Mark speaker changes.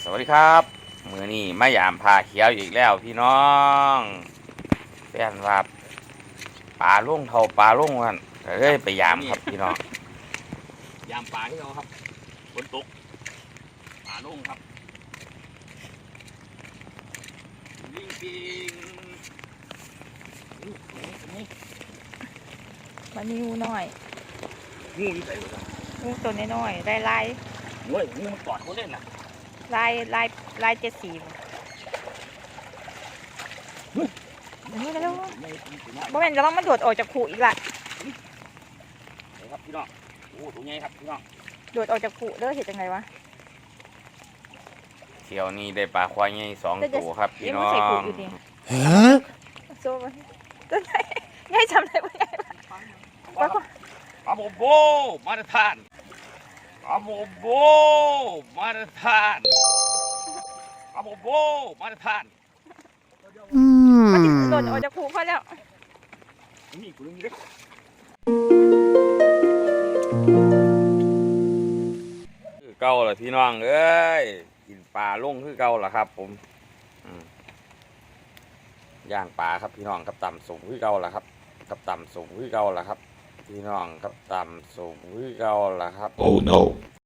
Speaker 1: วัสดีครับมือนี้มายามพาเขียวอีกแล้วพี่น้องแฟนว่าปลาลุ่งเท่าปลาลุ่งกันเฮ้ยไปยามครับพี่น้อง
Speaker 2: ยามปลาที่เราครับฝนตกปลาลุ่งครับลิงปิงนี่
Speaker 3: มานิ้วหน่อย
Speaker 2: งูอยู่ไหนวะ
Speaker 3: งูตัวน้อยๆได้ลาย
Speaker 2: เฮ้ยงูมันกอดเขาเล่นน่ะ
Speaker 3: ลาย7 สีนี่แล้วบ่แม่นจะต้องมาโดดออกจากขู่อีกละ
Speaker 2: ครับพี่น้องโอ้ตัวใหญ่ครับพี่น้อง
Speaker 3: โดดออกจากขู่เด้อเห็นจังไงวะ
Speaker 1: เที่ยวนี้ได้ปลาควายใหญ่2 ตัวครับพี่น้อ
Speaker 3: ใส่
Speaker 1: ง
Speaker 3: ขู่อยู่ดิโซ่มันตัวไหนใหญ่จำได้บ่ใหญ่ปะ
Speaker 2: ปลาโบโบมาตรฐานปลาโบโบมาตรฐานปลาโบโบมาตรฐาน
Speaker 3: มันสิโดดออกจากขู่พอแล้ว
Speaker 2: นี่กูนึกเล็ก
Speaker 1: คือเก่าล่ะพี่น้องเอ้ยกินปลาลุ่งคือเก่าล่ะครับผมย่างปลาครับพี่น้องกับต่ำสูงคือเก่าล่ะครับกับต่ำสูงคือเก่าล่ะครับพี่น้องกับต่ำสูงคือเก่าล่ะครับ
Speaker 4: Oh no.